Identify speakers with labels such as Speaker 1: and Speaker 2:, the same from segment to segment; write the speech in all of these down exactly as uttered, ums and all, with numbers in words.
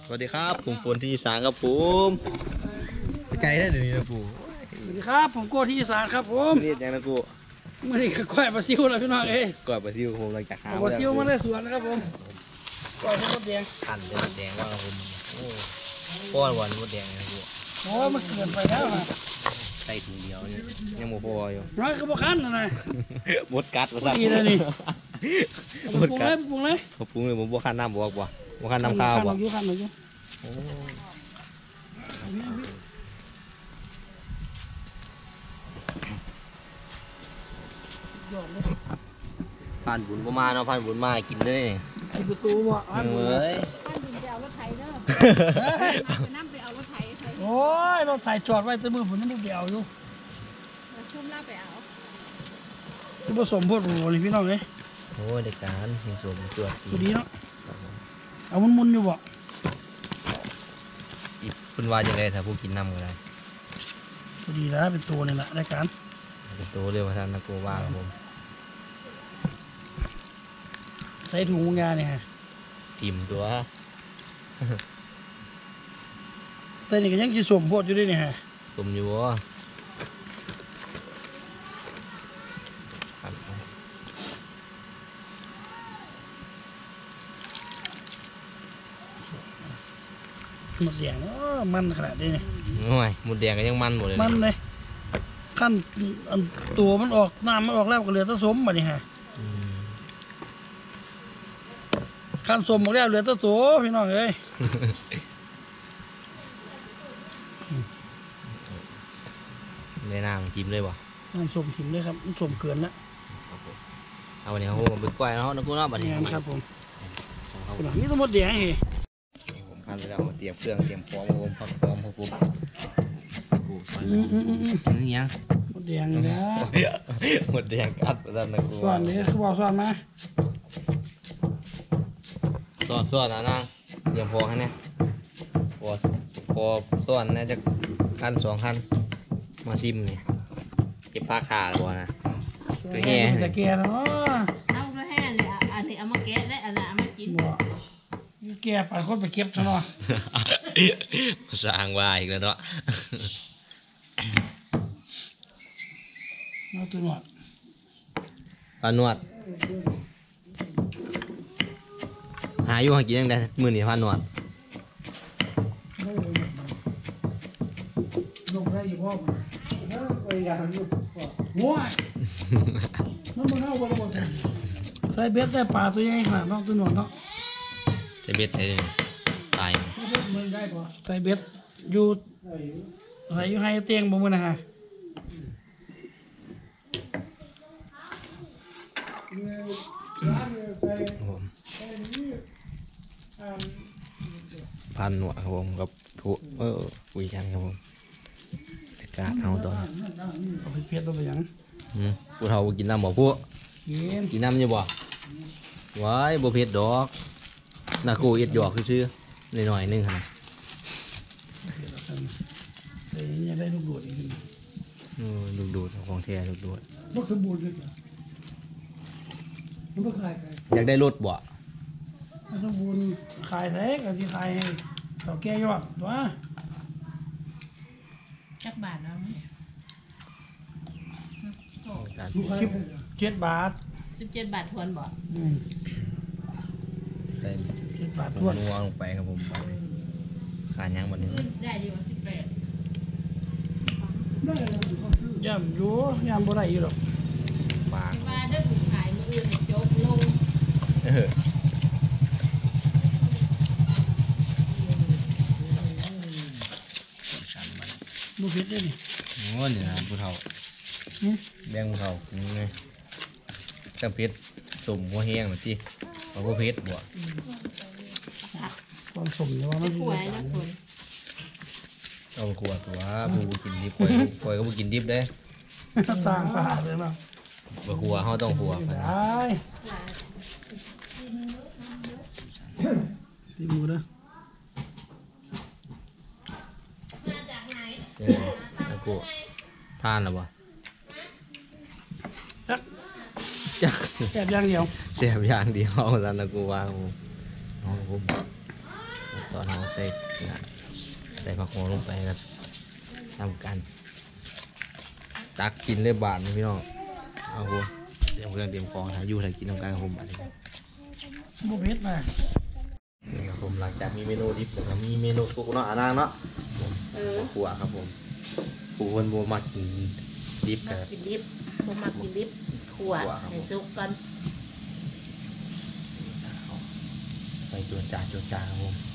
Speaker 1: สวัสดีครับผมฝนที่อีสานครับผมไกลได้เดี๋ยวนี้นะปู่
Speaker 2: สวัสดีครับผมโก้ที่อีสานครับผม
Speaker 1: เรียกยังนะกู
Speaker 2: มื่อนี้ก็ก้อยปลาซิวแล้วพี่น้องเอ้ย
Speaker 1: ก่อนปลาซิวผมเราจากหา
Speaker 2: ปลาซิวมาได้สวนนะครับผมก้อยมดแดง
Speaker 1: ขันเป็นมดแดงว่าผมโอ้ป้อนวันมดแดงนะกู
Speaker 2: โอ้มันเกินไปแล้วนะ
Speaker 1: ใส่ถุงเดียวยังโมพออยู่
Speaker 2: น้อยก็บ่คันนะ
Speaker 1: มดกัดมาซะ
Speaker 2: ดีเลยนี่มดกัดปรุงเลย
Speaker 1: ปรุงเลยผมบ่คันน้ำบอกบ่บ่คันน้ำข้าวบ่
Speaker 2: คันอยู่คันอยู่
Speaker 1: ผ่านบุญประมาณเนาะผ่านบุญมากินเลย
Speaker 2: กินประตูบ่
Speaker 1: ผ่านบุญเลย
Speaker 3: ผ่านบุญไปเอารถไถเด้อไปนั่งไปเอารถไถ
Speaker 2: โอ้ยรถไถจอดไว้แต่มือผมยังไม่ไปเอาอยู่
Speaker 3: ชุ่มล่าไปเอา
Speaker 2: จะผสมพวกโอ้ยพี่น้องเลย
Speaker 1: โอ้ยเด็กการผสมจวด
Speaker 2: ตัวนี้เนาะเอามุนๆอยู่บ่
Speaker 1: คุณว่าจะไงถ้าผู้กินน้ำก็ได้
Speaker 2: ตัวดีแล้วเป็นตัวนี่แหละรายการ
Speaker 1: เป็นตัวเรียกว่าท่านนักโกว่าครับผม
Speaker 2: ใส่ถุงงานเนี่ยฮะ
Speaker 1: ทิมตัว
Speaker 2: แต่นี่ก็ยังกินสมโพดอยู่ด้วยเนี่ยฮะ
Speaker 1: สมอยู่วะ
Speaker 2: หมดแดงมันขนาดนี้เนี่ย
Speaker 1: โอ้ยหมดแดงก็ยังมันหมดเลย
Speaker 2: มันเลยขั้นตัวมันออกน้ำมันออกแล้วก็เหลือแต่สมมาเนี่ยฮะขั้นสมหมดแล้วเหลือแต่โสพี่น้องเอ้ย
Speaker 1: ในน้ำจิ้มเลยบ่
Speaker 2: น้ำสมถิ่มเลยครับสมเกินแล้ว
Speaker 1: เอาวันนี้เขาผมไปกล้วยเนาะนักกู้เนาะบัดนี้
Speaker 2: ครับผมนี่ต้องหมดแดงเหรอ
Speaker 1: ผมพันไปแล้วเตรียมเครื่องเตรียมพร้อมผมพักพร้อมครับผม
Speaker 2: อืมอืมอืม
Speaker 1: นี่ยัง
Speaker 2: หมดแดงเลยนะ
Speaker 1: หมดแดงกัดแล้วนักกู้
Speaker 2: ส่วนนี้คือบอกส่วนมา
Speaker 1: ส่วนส่วนนะนางเตรียมพอให้เนี่ยพอพอส่วนน่าจะขั้นสองขั้นมาซิมนี่เก็บผ้าขาดบ่นะ
Speaker 2: ตัวแห่จะแก่เนาะ
Speaker 3: เอาตัวแห่เนี่ยอันนี้เอามาแกะได้อันนั้นเอามากิน
Speaker 2: บ่แก่ไปคนไปเก็บซะเนาะ
Speaker 1: สร้างว่าอีกแล้วเนาะ
Speaker 2: เอาตัวหนวด
Speaker 1: ปลาหนวดหาอยู่หากินยังไงมือนี่ปลาหนวด
Speaker 2: ลงได้ยี่พ่อไปอย่างนี้ว้ายน้ำมันเอาไปหมดใส่เบ็ดใส่ปลาตัวใหญ่ขนาดน้องตัวหนวดเนาะ
Speaker 1: ใส่เบ็ดใส่ตาย
Speaker 2: ใส่เบ็ดอยู่ใส่อยู่ให้เตียงบ่มื้อนะฮะ
Speaker 1: พันหนวดครับผมกับผู้เออคุยกันครับผมแต่กาเอาตอน
Speaker 2: เอาไปเพียรตัวไปยัง
Speaker 1: ผู้เฒ่ากินน้ำบ่ผู้กินน้ำอยู่บ่ว้ายบ่เผ็ดดอกนากูเอ็ดหยอกชื่อหน่อยๆนึงค่ะ
Speaker 2: แต่ยังได้ลูกโดดอีก
Speaker 1: ลูกโดดของแท้ลูกโดด
Speaker 2: บ่สมบูรณ์เลยมันบ่ขาย
Speaker 1: อยากได้รถบ่
Speaker 2: สมบูรณ์ขายแท้ก็สิขายให้เฒ่าแก่ยอดตัว
Speaker 3: จักบาทนะ
Speaker 2: เจ็ดบาท
Speaker 3: สิบเจ็ดบาททวนบ่
Speaker 1: ใส่
Speaker 2: เจ็ดบาททวน
Speaker 1: นัวลงไปครับผมขานยังหมดนี้
Speaker 3: ได้ดีกว่าสิบแปด
Speaker 2: ย่ำอยู่ย่ำบ่ได้อยู่หรอก
Speaker 1: ปาก
Speaker 3: ว่าเด้อถูกขายมืออื่นโจ๊กลง
Speaker 2: บุฟเฟ่ต์ได้นี่
Speaker 1: โอ้นี่นะผู้เฒ่าแบงผู้เฒ่านี่ไงจังเพชรสมหัวแห้งหรือที่เอาหัวเพชรบ่
Speaker 2: ความสมเนี่ยว่ามัน
Speaker 3: สวยนะคุณ
Speaker 1: เอาขวดตัวผู้กินดิบคอยคอยก็ผู้กินดิบได้
Speaker 2: ต่างป่าเลยเนาะ
Speaker 1: บ่ขัวเขาต้องขัว
Speaker 2: ได้ตีมือนะ
Speaker 3: มาจากไหน
Speaker 1: นักกูทานหรือเปล่า
Speaker 2: จักจักแสบอย่างเดียว
Speaker 1: แสบอย่างเดียวเอาซะนักกูว่าผมผมตอนอนเราใส่ใส่ผักหอมลงไปครับทำกันตักกินเลยบาทนี่พี่น้องเอาผมเตรียมเครื่องเตรียมของหาอยู่ถ่ายกินทำการกับผมบาทนี้
Speaker 2: บุกเฮ็ดมา
Speaker 1: นี่ครับผมหลังจากมีเมนูดิบแล้วมีเมนูสุกเนาะอ่านางเนาะขัวครับผมผู้คนโบมากินดิบ
Speaker 3: มา
Speaker 1: กับ
Speaker 3: กินดิบผมมากินดิบขั่วให้สุกก่อน
Speaker 1: ไปจวนจ่าจวนจ่าครับผม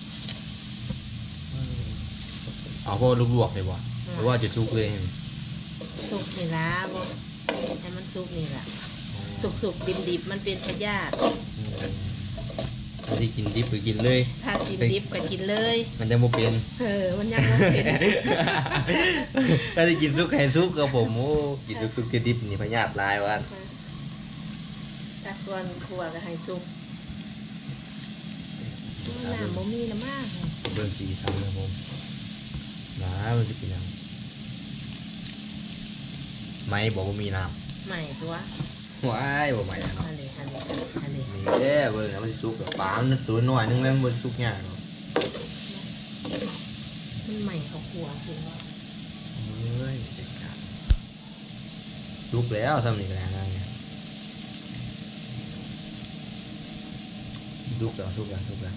Speaker 1: เอาพวกลวกๆเลยบ่หรือว่าจะสุกเลย
Speaker 3: สุกนี่ละบ่ให้มันสุกนี่แหละสุกสุกดิบดิบๆมันเป็นพยาธิ
Speaker 1: ถ้าที่กินดิบก็กินเลย
Speaker 3: ถ้ากินดิบก็กินเลย
Speaker 1: มันจะโมเป็น
Speaker 3: เออมันยังบ่เป็น
Speaker 1: ถ้าที่กินซุกไข่ซุกกับผมโอ้กินซุกกินดิบนี่พยาธิลายวัน
Speaker 3: ถ้าควรขั่วก็ให้สุกน้ำบ่มีน้ำมาก
Speaker 1: เบิ่งสีสันครับผมน้ำมันจะกินยังไม่บอกว่ามีน้
Speaker 3: ใหม่ตัว
Speaker 1: ำว้ายบอกไม่เนาะ
Speaker 3: อันนี้อันนี้อันนี้
Speaker 1: นี่เด้อเบิ่งนะมันสิซุกกับปลามันตัวน้อยนึงแล้วมันซุกยากเนาะ
Speaker 3: มันใหม่เขาขั่วคือว่า
Speaker 1: เฮ้ยเด็ดขาดซุกแล้วซ้ำนี่ก็แล้วนะเนี่ยซุกแล้วซุกแล้วซุกแล้ว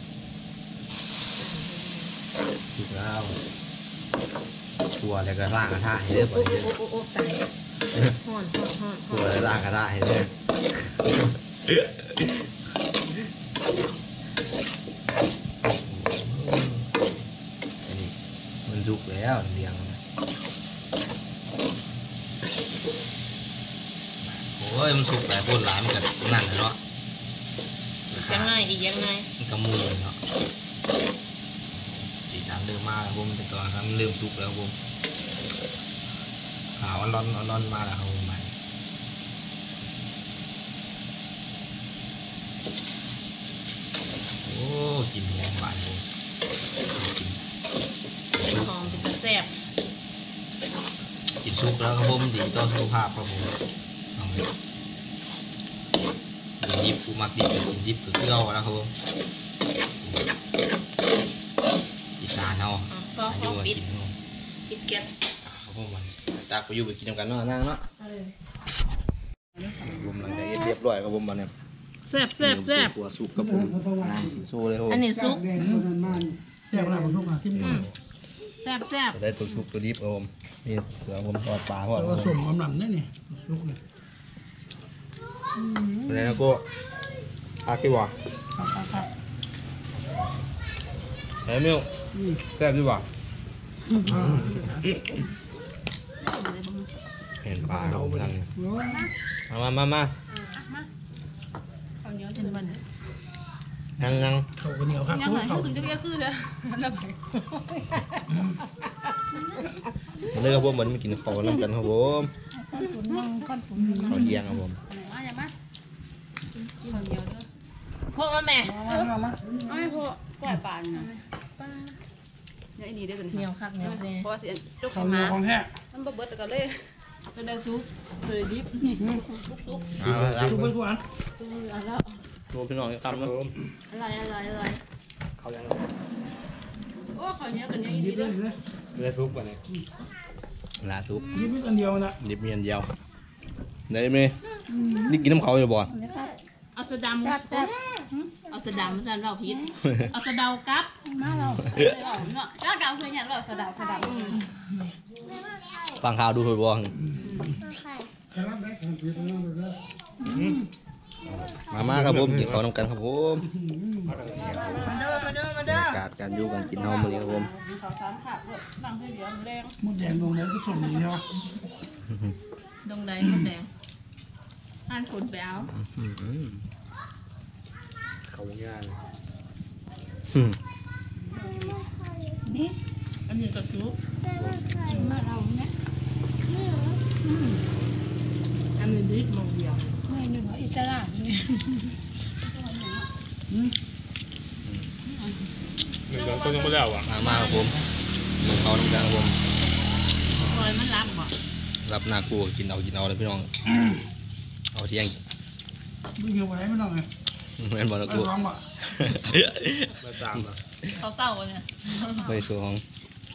Speaker 1: ซุกแล้วตัวอะไรก็ล่างกระทะให้เด้อ
Speaker 3: โอ้
Speaker 1: บ่
Speaker 3: โอ้
Speaker 1: เด้อ
Speaker 3: โอ้โอ้ตายฮ้อนฮ้อนฮ้อนฮ้
Speaker 1: ตั
Speaker 3: อ
Speaker 1: วน อะไรล่างกระทะให้เด้ออันนี้มันซุกแล้วเรียงนะโอ้ยมันสุกหลายคนหลายมันก็นั่นน่ะเนาะ
Speaker 3: ยังไงอีกยังไง
Speaker 1: มันก็มูเนาะสีสันเริ่มมาแล้วผมแต่ตอนนั้นมันเริ่มสุกแล้วผมขาวร้อนร้อนมาแล้วครับผมไปโอ้กลินหอมหวานผมกิน
Speaker 3: หอมเป็นตะแซ่บ
Speaker 1: กินสุกแล้วครับผมดีต่อสุขภาพครับผมเอาเลยกินดิบกูมักดิบกินดิบคือเกลือแล้วครับผมอีสานเอา
Speaker 3: อ่ะก็
Speaker 1: อา
Speaker 3: ข
Speaker 1: ยุ
Speaker 3: อ
Speaker 1: ก็
Speaker 3: ปิด
Speaker 1: กินเอา
Speaker 3: ปิดแก๊ส
Speaker 1: ครับผมมันตากไปอยู่ไปกินกันเนาะนั่งเนาะ
Speaker 3: เอาเลย
Speaker 1: ผมหลังจากเรียบร้อยครับผมมันเนี่ย
Speaker 3: แซ่บแซ่บแซ่บ
Speaker 1: ตัวสุกกับผมน้ำกินโซ่เลยครับผม
Speaker 3: อันนี้ซุป
Speaker 2: แดงเท่านั้นมันแซ่บแล้วผมทุกอ่ะที่มือ
Speaker 3: แซ่บแซ่บ
Speaker 1: ได้ตัวสุกตัวดิบครับผมนี่เสือผมทอดปลาก่อน
Speaker 2: แต่
Speaker 1: ค
Speaker 2: ว่า
Speaker 1: รับผ
Speaker 2: สม
Speaker 1: ม
Speaker 2: กำลังนี่นี่ลูกนี่
Speaker 1: อะไรนะกูอากี่วะ
Speaker 2: ครับครับครับ
Speaker 1: เฮ้ยมิวแซ่บดีวะเห็นปลาครับผมนั่งมามามามา
Speaker 3: ข้าวเหนียวเป็นวันนี้
Speaker 1: นั่งนั่ง
Speaker 2: เขาก็เหนียวครับ
Speaker 3: ยังไง
Speaker 2: เขา
Speaker 3: ถึงจะเรียกคือเลยจะไป
Speaker 1: มาเลยครับผมเหมือนมากินข้าวน้ำกันครับผม
Speaker 3: ข้าวตุ๋นข้าวตุ๋น
Speaker 1: ข้าวเที่ยงครับผม
Speaker 3: มาอย่ามาข้าวเหนียวเด้อพวกมาแม่
Speaker 2: มามามา
Speaker 3: เอาให้พวกปล่อยปลานะเดี๋ยวอันนี้เดี๋ยวกันเหนียวคักเหนียวแน่เพราะว่าสิจุก
Speaker 2: เขาเหนี
Speaker 3: มา
Speaker 2: ยวของแท้
Speaker 3: มันบ่เบิดก็เลยจะได้ซุปจะได้ดิบนี่ซุปซุป
Speaker 1: เอาละครับ
Speaker 2: ทุกไปทุกอัน
Speaker 3: ซุปแล้ว
Speaker 1: ดูพี่น้องครับนะ
Speaker 3: อะไรอะไรอะไร
Speaker 1: เขายัง
Speaker 3: โอ้ข้าวเหนียวกันเหนียวอี
Speaker 2: ยิ
Speaker 3: ดี
Speaker 2: บ
Speaker 3: เด้
Speaker 2: เล
Speaker 3: อย
Speaker 2: เลย
Speaker 1: เรือซุปก่อนเนี่ยลาซุป
Speaker 2: ยิบไม่กันเดียวนะ
Speaker 1: ดิบเมียนเดียวได้ไหมนี่กินน้ำเขาอยู่บ่
Speaker 3: เอาสะดำเอาสะดำมาสั่นเราพิษเอาสะเดากับมาเราเอาเนาะจ้ากับเพื่อนเนี่ยเราสะเดาสะดำ
Speaker 1: ฟังข่าวดูถูกบ่
Speaker 2: จะรับได้ทันทีตรงนั้นเลย
Speaker 1: มามาครับผมกินข้าวน้ำกันครับผม
Speaker 3: มาเด้อมาเด้อมา
Speaker 1: บร
Speaker 3: เด้
Speaker 1: ร
Speaker 3: อย
Speaker 1: ากาศการอยู่กันกินเฮามื้อนี้ครับผม
Speaker 3: ขาวสามขาดด้วยนั่งเพื่อนเดียวมือแดง
Speaker 2: มดแดงตรงไหนก็สมดีใช่ไหม
Speaker 3: ดงใดมดแดงอ่านผลไปเอา
Speaker 1: เขาย่าง
Speaker 3: นี่อันนี้ก็ซุปมาเราเนี่ยอันนี้ดิบมองเดียวไม่หนึ่งอิสระนี่
Speaker 4: หนึ่งเดือนต้นยังไม่ได้อ่ะ
Speaker 1: มามาครับผมกินข้าวน้ำกันครับผม
Speaker 3: คอยมันรับบ่
Speaker 1: รับหน้ากูกินเอากินเอาเลยพี่น้องเอาเที่ยง
Speaker 2: ไม่เหี่ยวไว้ไม่ต้องไง
Speaker 1: แม่นบ่นะ
Speaker 2: ไป
Speaker 1: กู
Speaker 2: ร้องบ่
Speaker 4: มาประจำอ่ะ
Speaker 3: เขาเศร้าเนี่ย
Speaker 1: ใบสวง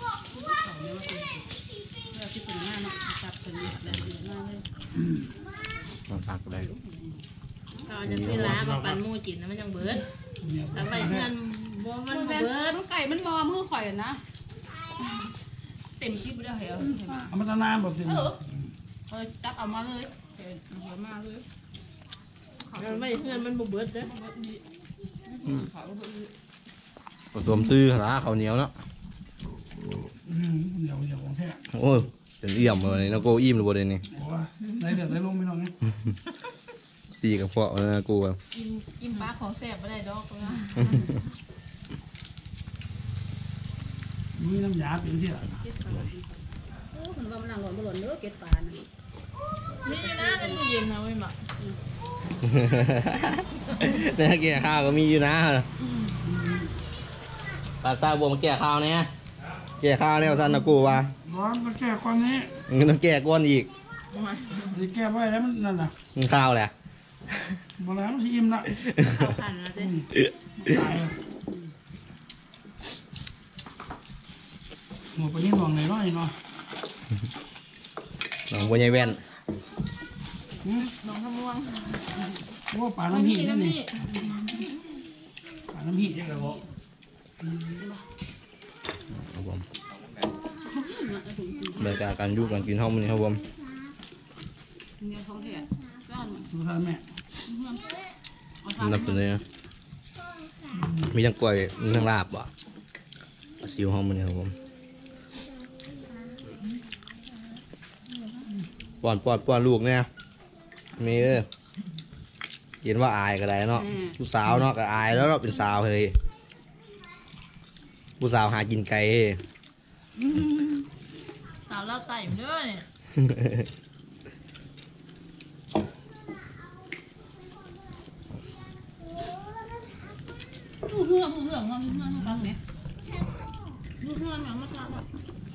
Speaker 3: เราที่เป็นหน้าเนาะจับเป็นเดือดเลยเดือดมากเลย
Speaker 1: น้ำผักได้
Speaker 3: ตอนจะซื้อล้ามาปั่นมูจินนะมันยังเบิดทำไปเพื่อนบ่มันเบิดไก่มันบอมือข่อยนะเต็มที่ไม่ได้เหรอ
Speaker 2: เอามาตานานแบบนี้
Speaker 3: เออเออจับเอามาเลยเดี๋ยวมาเลยมันไม่เพื่อนมันบ่เบิดเด้อ
Speaker 1: ผสมซื้อหาข้าวเหนียวเนาะ
Speaker 2: เดี๋ยวเดี๋ยวของแท้
Speaker 1: โอ้ยเป็นเอี่ยมเลยนะโกอิ่มหรือบ่เดนี่
Speaker 2: บอกว่าไหนเดือดไหนลงไม่ลงนี่
Speaker 1: สี่กับพวกนะกูอะ
Speaker 3: กินกินปลาของแสบไม่ได้ดอกนะ
Speaker 2: มีน้ำยาเป็นที่ละ
Speaker 3: มันว่ามันหล่นบ่หล่นเด้อเก็ดปลานี่อยู่นะในตู้เย็นนะเว้ยหมา
Speaker 1: เนี่ยแก่ข้าวก็มีอยู่นะปลาซาบวมาแก่ข้าวเนี่ยแก่ข้าวเนี่ยสันนะกูว่า
Speaker 2: ร้อนก็แก้ความนี้
Speaker 1: มึงต้องแก่ก้อนอีก
Speaker 2: จะแก้ไว้แล้วมันนั่นน่ะ
Speaker 1: มึงข้าวแหละ
Speaker 2: บอกแล้วที่อิ่มละ
Speaker 3: เข้าขันนะเจ้
Speaker 2: ตายเลยหมดไปนี่หน่วงไหนน้อยเนาะ
Speaker 1: น้องบัวใหญ่แว่น
Speaker 3: น้องขม่วง
Speaker 2: เพราะว่าป่าน้ำหีนี่นี่ป่าน้ำหี
Speaker 1: ครับผมบรรยากาศการอยู่การกินห้องมันนี่ครับผม
Speaker 3: เงี้ยท้องเถียก้อน
Speaker 2: ดูท่านแม่
Speaker 1: นับตัวนี้นะมีทั้งกล้วยมีทั้งลาบอ่ะซิวห้องมันนี่ครับผมป้อนป้อนป้อนลูกเนี่ยมีเออเห็นว่าอายก็ได้เนาะผู้สาวเนาะก็อายแล้วเนาะเป็นสาวเฮ้ยผู้สาวหากินไก่เฮ้ย
Speaker 3: สาวเล่าไต่เด้อเนี่ยผู้เพื่อนผู้เพื่อนเงาผู้เพื่อนให้ฟังเนี่ยผู้เพื่อนอย่างมาทำแบบ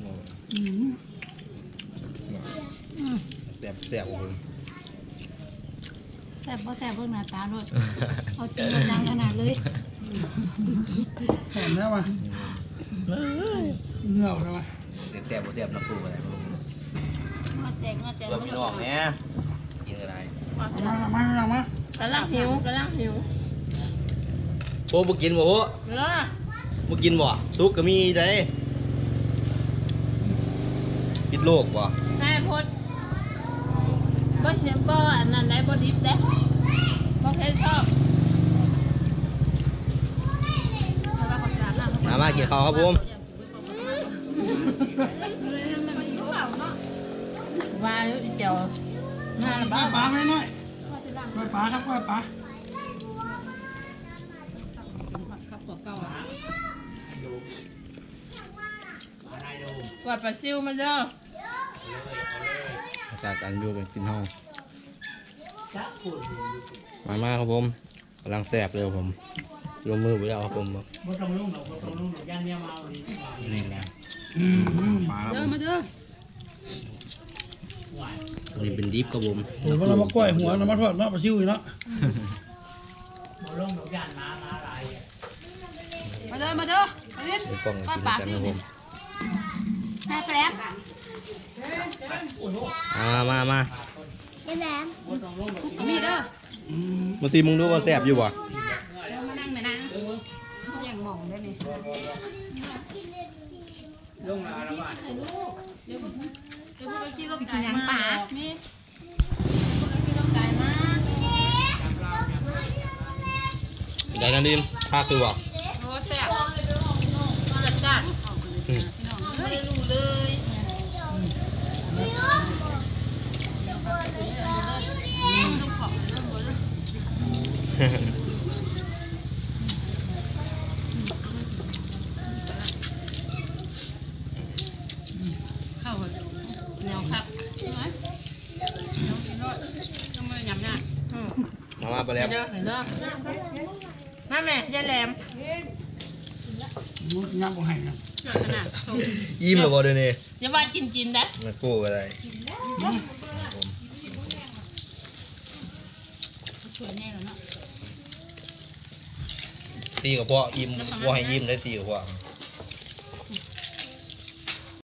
Speaker 1: แสบแสบผม
Speaker 5: แซ่บบ่แซ่บเบิ่งหน้าตาด้วยเอาจริงเอาจังขนาดเลย
Speaker 2: แข็งแล้ววะเหงื่อแล้ววะ
Speaker 1: แสบแสบแสบนักกูอะไร
Speaker 5: มาแจกมาแจก
Speaker 1: เพื่อพี่น้องเนี่ยกินอะไร
Speaker 2: มามามามา
Speaker 3: กำลังหิวกำลังหิว
Speaker 1: โอ้บุกินบ่โอ้
Speaker 3: เวลา
Speaker 1: บุกินบ่ซุกก็มีได้ปิดโลกบ่
Speaker 3: แม่พดบ่เห็นบ่อันนั้นได้บ่ดิบเด้บ่เพชรชอบ
Speaker 1: มามากินข้าวครับผม
Speaker 3: ว่าเจียวมา
Speaker 2: ปลา
Speaker 3: บ้า
Speaker 2: ปลาไม่น้อยปลาปลาครับปลาปลา
Speaker 3: ขับหัวเก่าว่าปลาซิวมาเด้อ
Speaker 1: อากาศการอยู่กันกินห้องมามาครับผมกำลังแสบเลยครับผมลงมือไปแล้วครับผม
Speaker 2: บ่ต้องลงหรอกบ่ต้องลงหรอกย่านเนี้ยมาเอาดิ
Speaker 1: นี่แหละ
Speaker 2: อืม
Speaker 1: มาครับ
Speaker 3: เด้
Speaker 1: ผ
Speaker 3: อ
Speaker 1: ม
Speaker 3: มาเด้อ
Speaker 1: อันนี้เป็นดิฟครับผม
Speaker 2: โอ้ยเรามากล้วยหัวเรามาทอดเนาะปลาชิวอีกเนาะ
Speaker 3: มาเด้อมาเด้อมาเด้อ
Speaker 1: เป็นกล้อง
Speaker 3: ก้อน
Speaker 1: กิน
Speaker 3: ปลา
Speaker 1: กัน
Speaker 3: ซิ
Speaker 1: คว รับผ
Speaker 3: นี่
Speaker 1: ม
Speaker 3: แม่แป๊บ
Speaker 1: มามามา
Speaker 3: ก็มีเด้อ
Speaker 2: อืม
Speaker 1: มาซีมึงดูว่าแสบอยู่บ่
Speaker 3: เดี๋ยวมานั่งแม่นั่งยังมองได้นี่ลงมาแล้วบ้านเดี๋ยวเดี๋ยวพวกเราขี้รถไก่มานี่พวกเราขี้รถไก่มา
Speaker 1: ได้นั่นดิมภาคคือบ่
Speaker 3: โอ้แซ่บจัดจ้านไม่ได้รู้เลยต้องขอบเรื่องบนเข้าแนวครับใช่ไหมแนวกินรสทำไมยำยาก
Speaker 1: มามาไปแล้ว
Speaker 3: เด้อเด้อมาแม่ยายแหลม
Speaker 2: มันยับบ่ให้นะ
Speaker 3: เกิดขนาดชม
Speaker 1: ยิ้มหรือบ่เดี๋ยวนี้
Speaker 3: อย่าว่ากินกินนะ
Speaker 1: นักกู้อะไร
Speaker 5: สวยแน่แล้วเนาะ
Speaker 1: ตีกับพ่ออิ่มบ่ให้อิ่มได้ตีกับพ่อ